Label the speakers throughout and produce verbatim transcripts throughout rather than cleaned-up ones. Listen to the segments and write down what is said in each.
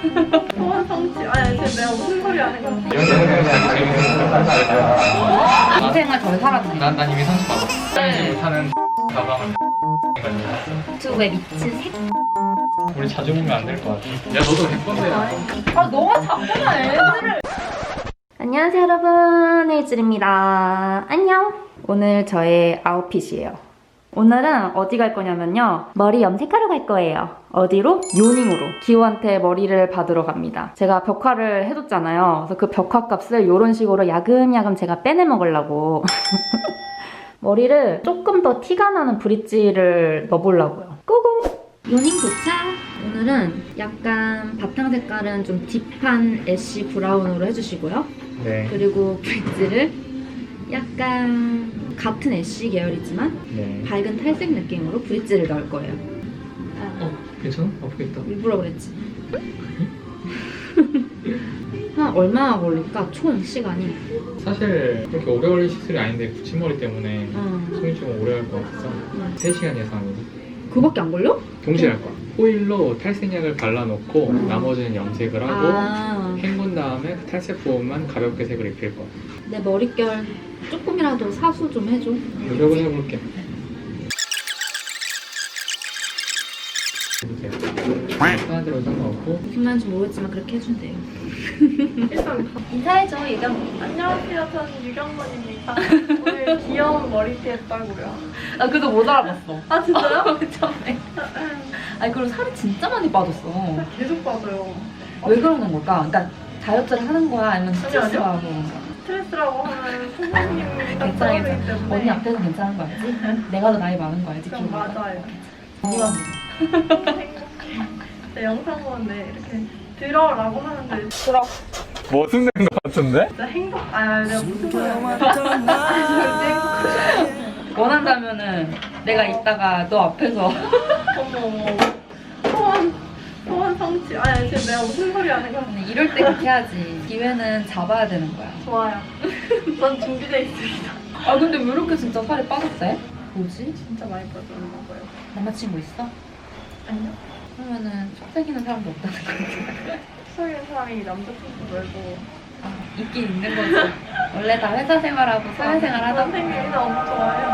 Speaker 1: 소원 성취. 아니 지금 내가 무슨 소리 하는 거야?
Speaker 2: 인생을 덜 살았네.
Speaker 3: 난, 난 이미 상처 받았어. 사용하지 못하는 가방을
Speaker 2: 유튜브에 미친 새.
Speaker 3: 우리 자주 보면 안 될 것 같아. 야 너도 백 번째야.
Speaker 2: 아 너가 자꾸만 애들을. 안녕하세요 여러분, 헤이즐입니다. 안녕. 오늘 저의 아웃핏이에요. 오늘은 어디 갈 거냐면요, 머리 염색하러 갈 거예요. 어디로? 요닝으로 기호한테 머리를 받으러 갑니다. 제가 벽화를 해줬잖아요. 그래서 그 벽화 값을 이런 식으로 야금야금 제가 빼내 먹으려고 머리를 조금 더 티가 나는 브릿지를 넣어보려고요. 꾸구! 요닝 도착! 오늘은 약간 바탕 색깔은 좀 딥한 애쉬 브라운으로 해주시고요.
Speaker 3: 네.
Speaker 2: 그리고 브릿지를 약간 같은 애쉬 계열이지만
Speaker 3: 네.
Speaker 2: 밝은 탈색 느낌으로 브릿지를 넣을 거예요.
Speaker 3: 어 괜찮아? 아프겠다.
Speaker 2: 일부러 그랬지. 한 얼마나 걸릴까? 총 시간이?
Speaker 3: 사실 그렇게 오래 걸릴 시술이 아닌데 붙임머리 때문에
Speaker 2: 응.
Speaker 3: 손이 좀 오래 갈 것 같아서
Speaker 2: 응.
Speaker 3: 세 시간 예상이고
Speaker 2: 그거밖에 안 걸려?
Speaker 3: 동시에 할 거야. 호일로 탈색약을 발라놓고
Speaker 2: 음.
Speaker 3: 나머지는 염색을 하고
Speaker 2: 아,
Speaker 3: 헹군 다음에 그 탈색 부분만 가볍게 색을 입힐 거야.
Speaker 2: 내 머릿결 조금이라도 사수 좀 해줘.
Speaker 3: 노력은 해볼게. 해주세요. 하는 대로 상관없고.
Speaker 2: 무슨 말인지 모르겠지만 그렇게 해준대요.
Speaker 1: 일단
Speaker 2: 인사해줘, 유경.
Speaker 1: 안녕하세요. 저는 유경건입니다. 오늘 귀여운 머리띠 했다고요.
Speaker 2: 나 그래도 못 알아봤어.
Speaker 1: 아 진짜요?
Speaker 2: 처음에. 아니 그리고 살이 진짜 많이 빠졌어.
Speaker 1: 계속 빠져요.
Speaker 2: 왜 그러는 걸까? 그러니까 다이어트를 하는 거야? 아니면 스트레스
Speaker 1: 아니요.
Speaker 2: 하고 그런 거야?
Speaker 1: 스트레스라고 하면 선생님이 딱
Speaker 2: 괜찮아,
Speaker 1: 떨어지기
Speaker 2: 괜찮아.
Speaker 1: 때문에.
Speaker 2: 언니 앞에서 괜찮은 거 알지? 내가 더 나이 많은 거 알지?
Speaker 1: 그럼 맞아요.
Speaker 2: 언니가
Speaker 1: 네, 영상 보는데 이렇게 들어라고 하는데
Speaker 2: 들어.
Speaker 3: 뭐 숨는 것 같은데?
Speaker 1: 진짜 행복. 아 내가 무슨 소리야?
Speaker 2: 원한다면은 내가 이따가 너 앞에서
Speaker 1: 어머 어머. 소원 소원 성취. 아니 지금 내가 무슨 소리 하는 거야?
Speaker 2: 근데 이럴 때 그렇게 해야지. 기회는 잡아야 되는 거야.
Speaker 1: 좋아요. 전 준비돼 있습니다.
Speaker 2: 아 근데 왜 이렇게 진짜 살이 빠졌대? 뭐지?
Speaker 1: 진짜 많이 빠졌나 봐요.
Speaker 2: 남자친구 있어?
Speaker 1: 아니요.
Speaker 2: 그러면은 속삭이는 사람도 없다는 거지.
Speaker 1: 속이는 사람이 남자친구 말고
Speaker 2: 아, 있긴 있는 거지. 원래 다 회사 생활하고 사회생활 하다 보면.
Speaker 1: 선생님이 너무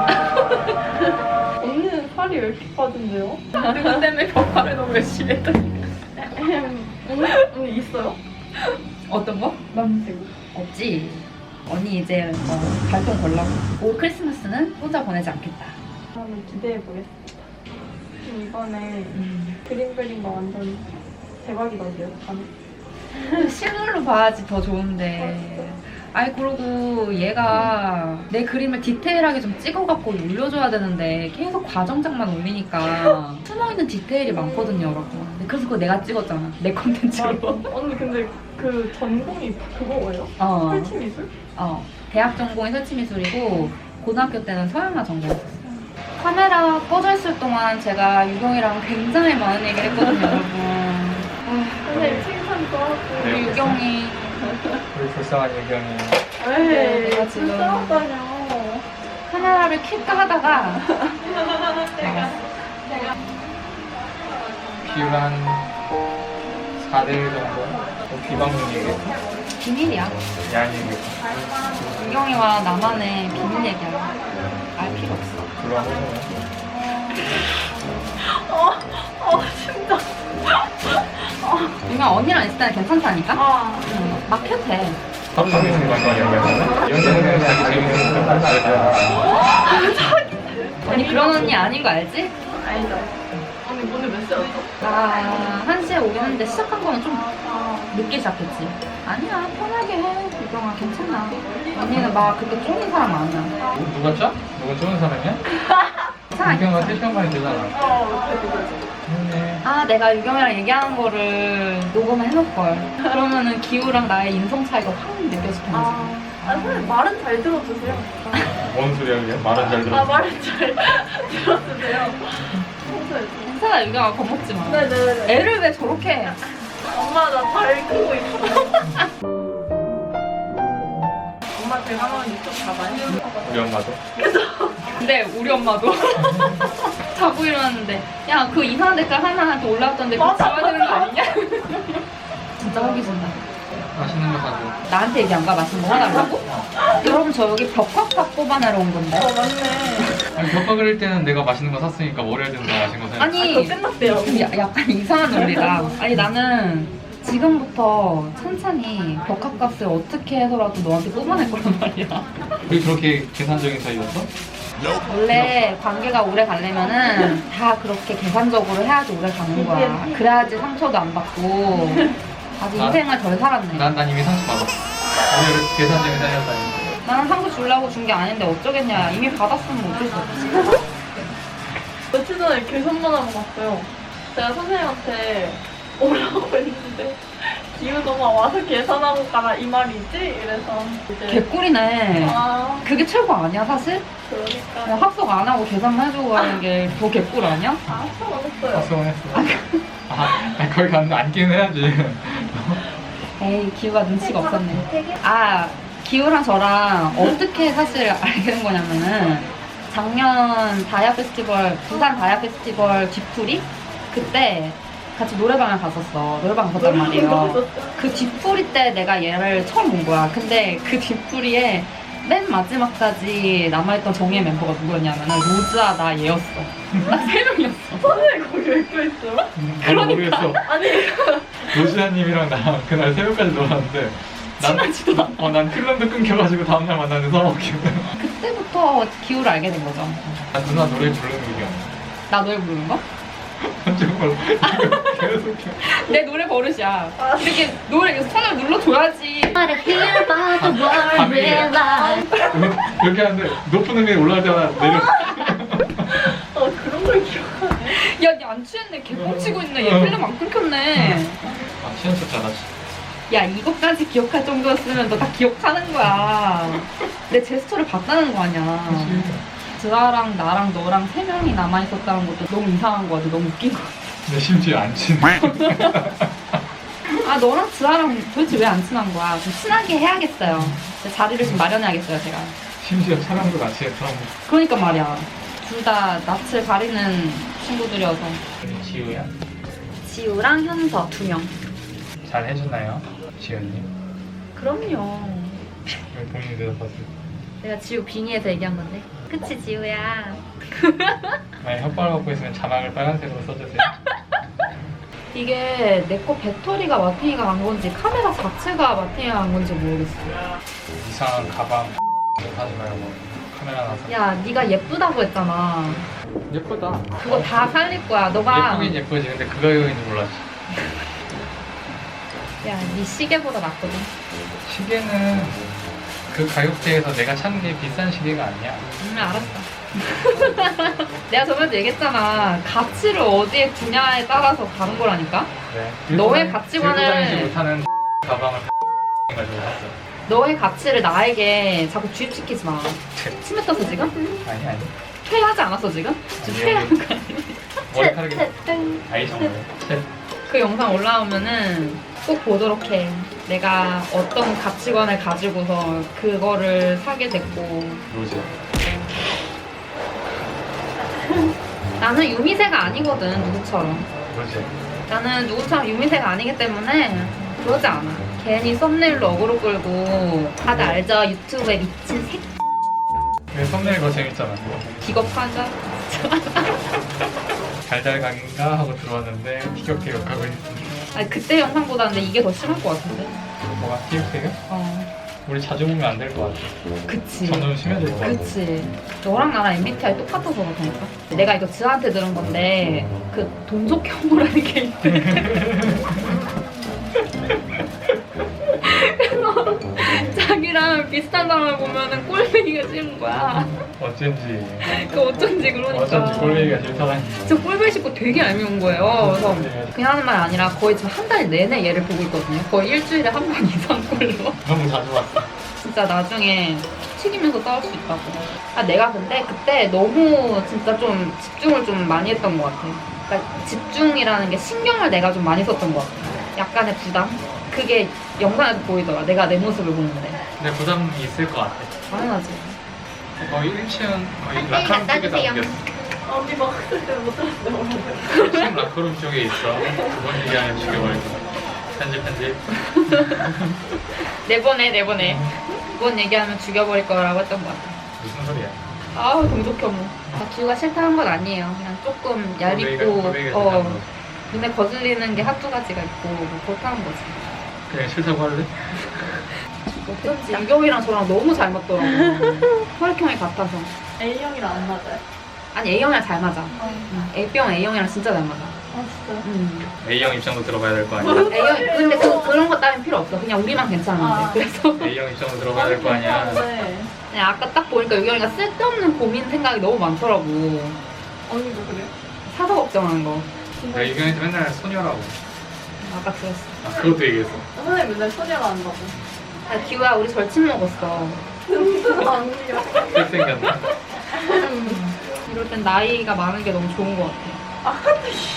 Speaker 1: 좋아요. 언니는 살이 왜 이렇게 빠진대요?
Speaker 2: 그것 때문에 벽화를 너무 열심히 했더니.
Speaker 1: 언니, 언니 있어요?
Speaker 2: 어떤 거?
Speaker 1: 남자친구.
Speaker 2: 없지. 언니 이제 어, 발동 걸라고. 올 크리스마스는 혼자 보내지 않겠다.
Speaker 1: 한번 기대해 보겠습니다. 이번에
Speaker 2: 음.
Speaker 1: 그림 그린 거 완전 대박이던데요?
Speaker 2: 실물로 봐야지 더 좋은데. 아니 그러고 얘가 내 그림을 디테일하게 좀 찍어갖고 올려줘야 되는데 계속 과정장만 올리니까 숨어있는 디테일이 많거든요 여러분. 근데 그래서 그거 내가 찍었잖아, 내 콘텐츠로.
Speaker 1: 언니 근데 그 전공이 그거예요?
Speaker 2: 어,
Speaker 1: 설치미술?
Speaker 2: 어. 대학 전공이 설치미술이고 고등학교 때는 서양화 전공했었어요. 카메라 꺼져 있을 동안 제가 유경이랑 굉장히 많은 얘기를 했거든요 여러분. 아,
Speaker 1: 선생님 칭찬 좋았고.
Speaker 2: 우리 유경이
Speaker 3: 우리 불쌍한 유경이.
Speaker 1: 에이
Speaker 2: 내가 지금-
Speaker 1: 불쌍하다뇨.
Speaker 2: 카메라를 킬까 하다가
Speaker 3: 비율 한 사 대 일 정도? 뭐 비방용 얘기했어?
Speaker 2: 비밀이야.
Speaker 3: 야한 얘기했어?
Speaker 2: 유경이와 나만의 비밀 얘기야. 알 필요 없어.
Speaker 3: 그거 한 거잖아.
Speaker 1: 어, 어 진짜.
Speaker 2: 유경 언니랑 있을 때는 괜찮다니까?
Speaker 1: 아.
Speaker 2: 응, 막 해도 돼.
Speaker 3: 하고 있는 거 아니야? 연습은 자기 재밌는 거
Speaker 2: 언니 그런 언니 아닌 거 알지?
Speaker 1: 아니다. 언니 오늘 몇 시였어?
Speaker 2: 나 한 시에 오긴 했는데 시작한 거는 좀
Speaker 1: 아.
Speaker 2: 늦게 시작했지. 아니야, 편하게 해. 유경아, 괜찮아. 언니는 막 그렇게 쫄린 사람 아니야.
Speaker 3: 누가 짜? 누가 쪼는 사람이야?
Speaker 2: 괜찮아.
Speaker 3: 유경아 세 시간 만에 되잖아.
Speaker 1: 어, 그래, 그래.
Speaker 3: 좋네.
Speaker 2: 아, 내가 유경이랑 얘기하는 거를 녹음을 해놓을걸. 그러면은 기우랑 나의 인성 차이가 확 느껴질 텐데.
Speaker 1: 아, 아 선생님 말은 잘 들어주세요.
Speaker 3: 뭔 소리야 그게? 말은 잘
Speaker 1: 아
Speaker 3: 들어.
Speaker 1: 말은 잘 들어주세요. 평소에.
Speaker 2: 괜찮아, 유경아, 겁먹지 마.
Speaker 1: 네네네.
Speaker 2: 애를 왜 저렇게 해?
Speaker 1: 엄마 나 잘 크고 있어. 엄마 제가 하는 유튜브 봐봐요.
Speaker 3: 우리 엄마도.
Speaker 2: 근데 우리 엄마도 자고 일어났는데 야, 그 이상한 댓글 하나한테 올라왔던데 그거
Speaker 1: 맞아,
Speaker 2: 지워야 되는 거 아니냐?
Speaker 3: 맛있는 거 사줘.
Speaker 2: 나한테 얘기 안 가? 맛있는 거 사달라고? 여러분 저 여기 벽화팝 뽑아내러 온 건데.
Speaker 1: 어 맞네.
Speaker 3: 아니 벽화 그릴 때는 내가 맛있는 거 샀으니까 월요일 되면 더 맛있는 거 사야지.
Speaker 2: 아니
Speaker 1: 아, 그거 끝났대요.
Speaker 2: 좀 야- 약간 이상한 논리다. 아니 나는 지금부터 천천히 벽화값을 어떻게 해서라도 너한테 뽑아낼 거란 말이야.
Speaker 3: 우리 그렇게 계산적인 사이였어?
Speaker 2: 원래 관계가 오래 가려면은 다 그렇게 계산적으로 해야지 오래 가는 거야. 그래야지 상처도 안 받고 아주
Speaker 3: 난-
Speaker 2: 인생을 덜 살았네.
Speaker 3: 난, 난 이미 상처 받았어. 오늘 계산적인 사이였다니.
Speaker 2: 나는 상처 주려고 준 게 아닌데 어쩌겠냐. 이미 받았으면 어쩔 수 없지.
Speaker 1: 며칠 전에 계산만 하고 갔어요. 제가 선생님한테 오라고 했는데 기우도가 와서 계산하고 가라 이 말이지? 이래서 이제
Speaker 2: 개꿀이네.
Speaker 1: 아
Speaker 2: 그게 최고 아니야 사실?
Speaker 1: 그러니까
Speaker 2: 그냥 합석 안 하고 계산만 해주고 가는 게 더 개꿀 아니야?
Speaker 1: 아 수고했어요.
Speaker 3: 학습은 했어. 아, 아니, 거기 갔는데 앉기는 해야지.
Speaker 2: 에이 기우가 눈치가 없었네. 아 기우랑 저랑 어떻게 사실 알게 된 거냐면은 작년 다이아 페스티벌 부산 다이아 페스티벌 뒤풀이 그때 같이 노래방을 갔었어. 노래방 갔었단 말이에요. 그 뒤풀이 때 내가 얘를 처음 본 거야. 근데 그 뒤풀이에 맨 마지막까지 남아있던 정예 멤버가 누구였냐면은 로즈아 나 얘였어. 딱 세 명이었어.
Speaker 1: 선생님 거기 왜 껴있어요?
Speaker 3: 나도 모르겠어.
Speaker 1: 아니
Speaker 3: 로시아님이랑 나 그날 새벽까지 놀았는데 난,
Speaker 2: 친하지도 않아.
Speaker 3: 어, 난 클럽도 끊겨가지고 다음날 만나는 서먹기.
Speaker 2: 그때부터 기우를 알게 된 거죠.
Speaker 3: 난 누나 노래 부르는 게 기억.
Speaker 2: 나 노래 부르는 거?
Speaker 3: 정말 계속 기억.
Speaker 2: 내 노래 버릇이야. 이렇게 노래 이렇게 손을 눌러줘야지.
Speaker 3: 밤에 이렇게 하는데 높은 음이 올라갈 때마다 내려.
Speaker 1: 어 그런 걸 기억하네.
Speaker 2: 야, 니 안 취했네. 개뻥치고 있네. 얘 필름 안 끊겼네.
Speaker 3: 아 시험 쳤잖아.
Speaker 2: 야, 이것까지 기억할 정도였으면 너 다 기억하는 거야. 내 제스처를 봤다는 거 아니야. 드아랑 나랑 너랑 세 명이 남아있었다는 것도 너무 이상한 거 같아. 너무 웃긴 거 같아.
Speaker 3: 내 심지어 안 친해.
Speaker 2: 아, 너랑 드아랑 도대체 왜 안 친한 거야? 좀 친하게 해야겠어요. 자리를 좀 마련해야겠어요, 제가.
Speaker 3: 심지어 촬영도 같이 했어.
Speaker 2: 그러니까 말이야. 둘 다 낯을 가리는 친구들이어서.
Speaker 3: 지우야?
Speaker 2: 지우랑 현서 두 명.
Speaker 3: 잘 해주나요? 지우님?
Speaker 2: 그럼요.
Speaker 3: 왜 본인 대답하세요?
Speaker 2: 내가 지우 빙의해서 얘기한 건데. 그치, 지우야.
Speaker 3: 만약 혓바람 갖고 있으면 자막을 빨간색으로 써주세요.
Speaker 2: 이게 내 거 배터리가 마틴이가 간 건지 카메라 자체가 마틴이가 간 건지 모르겠어.
Speaker 3: 이상한 가방 사지 말고 카메라 나서.
Speaker 2: 야, 네가 예쁘다고 했잖아.
Speaker 3: 예쁘다.
Speaker 2: 그거 다 살릴 거야. 너가.
Speaker 3: 예쁘긴 예쁘지. 근데 그 가격인지 몰랐지.
Speaker 2: 야, 네 시계보다 낫거든.
Speaker 3: 시계는 그 가격대에서 내가 찾는 게 비싼 시계가 아니야.
Speaker 2: 음, 알았어. 내가 저번에 얘기했잖아. 가치를 어디에 두냐에 따라서 다른 거라니까?
Speaker 3: 네.
Speaker 2: 너의
Speaker 3: 들고
Speaker 2: 가치관을-
Speaker 3: 들고 다니지 못하는 가방을 가지고 샀어.
Speaker 2: 너의 가치를 나에게 자꾸 주입시키지 마. 치매 떴어, 지금?
Speaker 3: 아니 아니.
Speaker 2: 퇴하지 않았어, 지금? 지금
Speaker 3: 아니,
Speaker 2: 퇴하는 거 아니야?
Speaker 3: 머리카락이 아이셔.
Speaker 2: 그 영상 올라오면은 꼭 보도록 해. 내가 어떤 가치관을 가지고서 그거를 사게 됐고.
Speaker 3: 로즈.
Speaker 2: 나는 유미세가 아니거든, 누구처럼.
Speaker 3: 로즈.
Speaker 2: 나는 누구처럼 유미세가 아니기 때문에 그러지 않아. 괜히 썸네일로 어그로 끌고 다들 알죠? 유튜브에 미친 새
Speaker 3: 왜 썸네일 거 재밌잖아.
Speaker 2: 기겁하죠?
Speaker 3: 달달각인가 하고 들어왔는데 티격태격하고 있어.
Speaker 2: 아니 그때 영상보다는 근데 이게 더 심할 것 같은데?
Speaker 3: 뭐가 티격태격?
Speaker 2: 어,
Speaker 3: 우리 자주 보면 안 될 것 같아.
Speaker 2: 그치.
Speaker 3: 점점 심해질 것 같아.
Speaker 2: 그치. 너랑 나랑 엠비티아이 똑같아서 그렇다니까? 내가 이거 지아한테 들은 건데 그 동족혐오라는 게 있대. 그래서 자기랑 비슷한 사람을 보면은 꼴배기가 싫은 거야.
Speaker 3: 어쩐지.
Speaker 2: 그 어쩐지 그러니까.
Speaker 3: 어쩐지 꼴배기가 싫다라니.
Speaker 2: 저 꼴배기 싫고 되게 얄미운 거예요. 그래서 그냥 하는 말 아니라 거의 지금 한 달 내내 얘를 보고 있거든요. 거의 일주일에 한 번 이상 꼴로.
Speaker 3: 너무 자주 봤어.
Speaker 2: 진짜 나중에 튀기면서 싸울 수 있다고. 아, 내가 근데 그때 너무 진짜 좀 집중을 좀 많이 했던 것 같아. 그러니까 집중이라는 게 신경을 내가 좀 많이 썼던 것 같아. 약간의 부담? 그게 영상에도 보이더라. 내가 내 모습을 보는데.
Speaker 3: 근데 부담이 있을 것 같아.
Speaker 2: 당연하지.
Speaker 3: 거의 일 층 거의 라카룸 쪽에다 옮겼어.
Speaker 1: 언니 먹을 때 못 들었는데
Speaker 3: 일 층 라카룸 쪽에 있어. 그번 얘기하면 죽여버릴 거야. 한 편집 편집.
Speaker 2: 내보내 내보내. 그건 얘기하면 죽여버릴 거라고 했던 것 같아.
Speaker 3: 무슨 소리야?
Speaker 2: 아우 동족혐오. 아, 기우가 싫다 한 건 아니에요. 그냥 조금 얇고
Speaker 3: 꼴보기가
Speaker 2: 어
Speaker 3: 싫다는 거지.
Speaker 2: 눈에 거슬리는 게 한두 가지가 있고 뭐 그렇다는 거지.
Speaker 3: 그냥 싫다고 할래?
Speaker 2: 어쩐지 유경이랑 저랑 너무 잘 맞더라고. 혈액형이 같아서.
Speaker 1: A형이랑 안 맞아요?
Speaker 2: 아니 A형이랑 잘 맞아.
Speaker 1: 어.
Speaker 2: 응. A형 A형이랑 진짜 잘 맞아.
Speaker 1: 아 진짜요?
Speaker 2: 응.
Speaker 3: A형 입장도 들어봐야 될 거 아니야?
Speaker 2: A형 근데 그, 그런 것 따윈 필요 없어. 그냥 우리만 괜찮은데.
Speaker 1: 아.
Speaker 2: 그래서
Speaker 3: A형 입장도 들어봐야 될 거 아니야?
Speaker 1: 네.
Speaker 2: 그냥 아까 딱 보니까 유경이가 쓸데없는 고민 생각이 너무 많더라고.
Speaker 1: 언니도 그래요?
Speaker 2: 사서 걱정하는 거.
Speaker 3: 내가 유경이한테 맨날 소녀라고.
Speaker 2: 아까 들었어.
Speaker 3: 아 그것도 얘기했어.
Speaker 1: 선생님 맨날 소녀가 한다고.
Speaker 2: 야, 기우야 우리 절친 먹었어.
Speaker 1: 아니요.
Speaker 3: 색 생겼나?
Speaker 2: 이럴 땐 나이가 많은 게 너무 좋은 것 같아.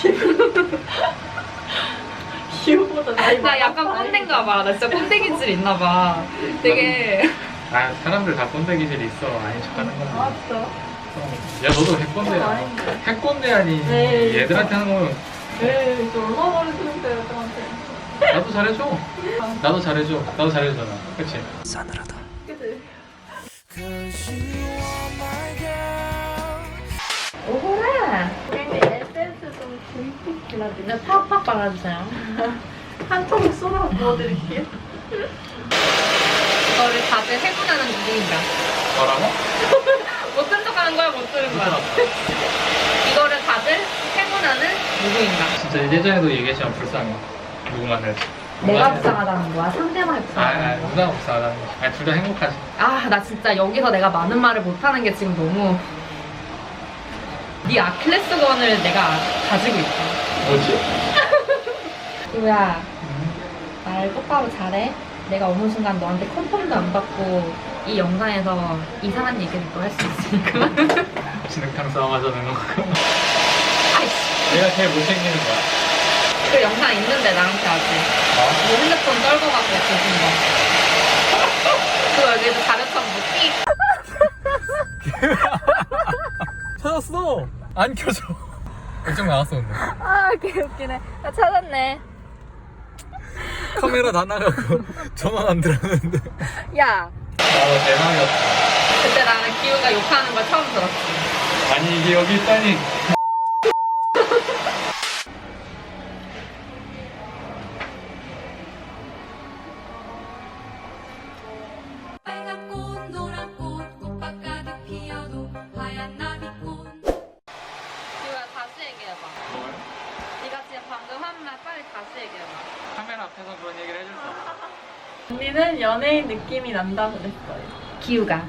Speaker 1: 기우보다 나이
Speaker 2: 나 약간
Speaker 1: 많아.
Speaker 2: 꼰대인가 봐. 나 진짜 꼰대 기질 있나 봐. 되게
Speaker 3: 아 사람들 다 꼰대 기질이 있어. 아닌 척하는
Speaker 1: 아
Speaker 3: 거야.
Speaker 1: 진짜?
Speaker 3: 야 너도 핵꼰대야.
Speaker 1: 아닌데.
Speaker 3: 핵꼰대 아니.
Speaker 1: 네.
Speaker 3: 얘들한테 하는 거면
Speaker 1: 에이 저 얼마나 말을 들었어요 애들한테.
Speaker 3: 나도 잘해줘. 나도 잘해줘. 나도 잘해주잖아. 그치?
Speaker 1: 그치?
Speaker 2: 오호라.
Speaker 1: 우리 에센스 좀 듬뿍 발라드릴게요.
Speaker 2: 네, 팍팍 발라주세요.
Speaker 1: 한 통을 쏟아 부어드릴게요.
Speaker 2: 이거를 다들 해보자는 누구인가?
Speaker 3: 뭐라고?
Speaker 2: 못 들은 척하는 거야, 못 들은 거야? 이거를 다들 해보자는 누구인가?
Speaker 3: 진짜 예전에도 얘기했지만 불쌍해. 누구만 해도.
Speaker 2: 내가 불쌍하다는 거야? 상대방이
Speaker 3: 아, 아
Speaker 2: 불쌍하다는 거야?
Speaker 3: 누가 불쌍하다는 거지. 아니 둘 다 행복하지.
Speaker 2: 아, 나 진짜 여기서 내가 많은 말을 못하는 게 지금 너무 네 아킬레스건을 내가 가지고 있어.
Speaker 3: 뭐지?
Speaker 2: 기우야, 말 똑바로 잘해. 내가 어느 순간 너한테 컨펌도 안 받고 이 영상에서 이상한 얘기를 또 할 수 있으니까.
Speaker 3: 진흙탕 싸움 하자는 거.
Speaker 2: 아이씨,
Speaker 3: 내가 제일 못생기는 거야.
Speaker 2: 그 영상 있는데 나한테 아직.
Speaker 3: 어?
Speaker 2: 뭐 핸드폰 떨고 가서 주신 거. 그거 여기서 자료처럼 뭐 띡.
Speaker 3: 찾았어. 안 켜져. 결정 나왔어 근데.
Speaker 2: 아, 개웃기네. 나 찾았네.
Speaker 3: 카메라 다 나가고 전원 안 들었는데.
Speaker 2: 야,
Speaker 3: 아 대박이었다.
Speaker 2: 그때 나는 기우가 욕하는 걸 처음 들었지.
Speaker 3: 아니 이게 여기 있다니.
Speaker 4: 빨간 꽃, 노란 꽃, 꽃밭 가득 피어도 하얀 나비꽃.
Speaker 2: 기우야, 다시 얘기해봐.
Speaker 3: 뭘?
Speaker 2: 네가 지금 방금 한 말 빨리 다시 얘기해봐.
Speaker 3: 카메라 앞에서 그런 얘기를 해줄 수 없어.
Speaker 1: 언니는 연예인 느낌이 난다고 그랬어요.
Speaker 2: 기우가.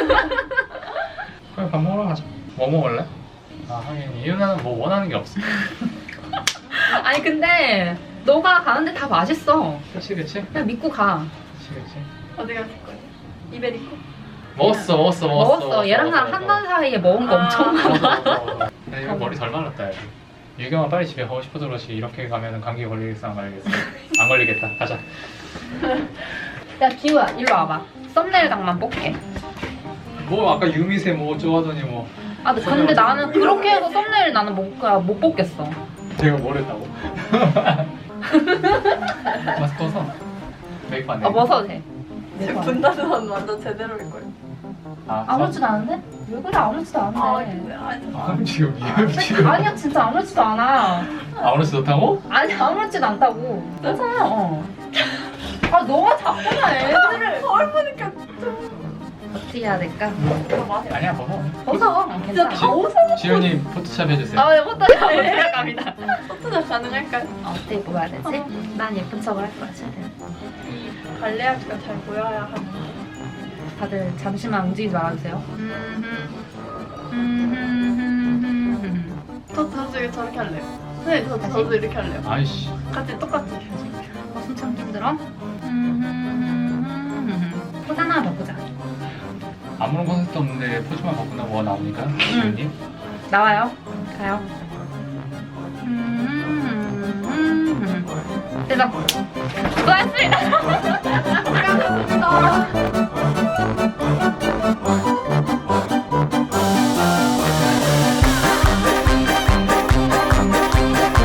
Speaker 3: 그래 밥 먹으러 가자. 뭐 먹을래? 아 하긴 이유나는 뭐 원하는 게 없어.
Speaker 2: 아니 근데 너가 가는데 다 맛있어.
Speaker 3: 그치 그치?
Speaker 2: 그냥 믿고 가.
Speaker 3: 그치 그치.
Speaker 1: 어디 갔을 거예요? 이베리코?
Speaker 3: 먹었어 먹었어 먹었어.
Speaker 2: 먹었어. 얘랑 나랑 한 달 사이에 먹은 거
Speaker 1: 아.
Speaker 2: 엄청 많아.
Speaker 3: 먹었어 먹었어. 야 이거 머리 덜 말랐다 야. 유경아 빨리 집에 가고 싶어서 그렇지 이렇게 가면 감기 걸리겠어 안 걸리겠어? 안 걸리겠다. 가자.
Speaker 2: 야 기우야 일로 와봐. 썸네일 각만 뽑게.
Speaker 3: 뭐 아까 유미세 뭐 어쩌고 하더니 뭐
Speaker 2: 아 근데 나는 그렇게 해서 썸네일 나는 못, 못 뽑겠어.
Speaker 3: 제가 뭘 했다고? 마스크 벗어. 메이크업 안 돼.
Speaker 2: 아 벗어도 돼.
Speaker 1: 지금 분다는 완전 제대로일 거예요.
Speaker 3: 아,
Speaker 2: 아무렇지도 않은데? 왜 그래 아무렇지도
Speaker 1: 아
Speaker 2: 않은데.
Speaker 1: 근데 아니
Speaker 3: 아 지금 미안 지금.
Speaker 2: 아니야 진짜 아무렇지도 않아.
Speaker 3: 아무렇지 좋다고?
Speaker 2: 아니 아무렇지도 않다고. 괜찮아. 어. 아 너가 자꾸만 애들을
Speaker 1: 거울 보니까
Speaker 2: 어떻게 해야 될까?
Speaker 3: 아니야 벗어.
Speaker 2: 벗어.
Speaker 1: 진짜
Speaker 2: 괜찮아.
Speaker 1: 다 웃어.
Speaker 3: 지훈이 포토샵 해주세요.
Speaker 2: 아 이것도 포토샵 갑니다.
Speaker 1: 포토샵 가능할까요?
Speaker 2: 어, 어떻게 뽑아야 되지? 난 예쁜 척을 할 거야 최대한.
Speaker 1: 이 관리하기가 잘 보여야 하는.
Speaker 2: 다들 잠시만 움직이지 말아주세요.
Speaker 1: 저 저도 저렇게 할래요. 네, 저
Speaker 2: 다시?
Speaker 1: 저도 이렇게 할래요.
Speaker 3: 아이씨.
Speaker 1: 같이 똑같이.
Speaker 2: 어, 숨 힘들어? 포즈 하나 바꾸자.
Speaker 3: 아무런 컨셉도 없는데 포즈만 바꾸나 뭐가 나오니까 지훈이.
Speaker 2: 나와요. 가요. 대박. 수고하셨습니다.
Speaker 1: 감사합니다.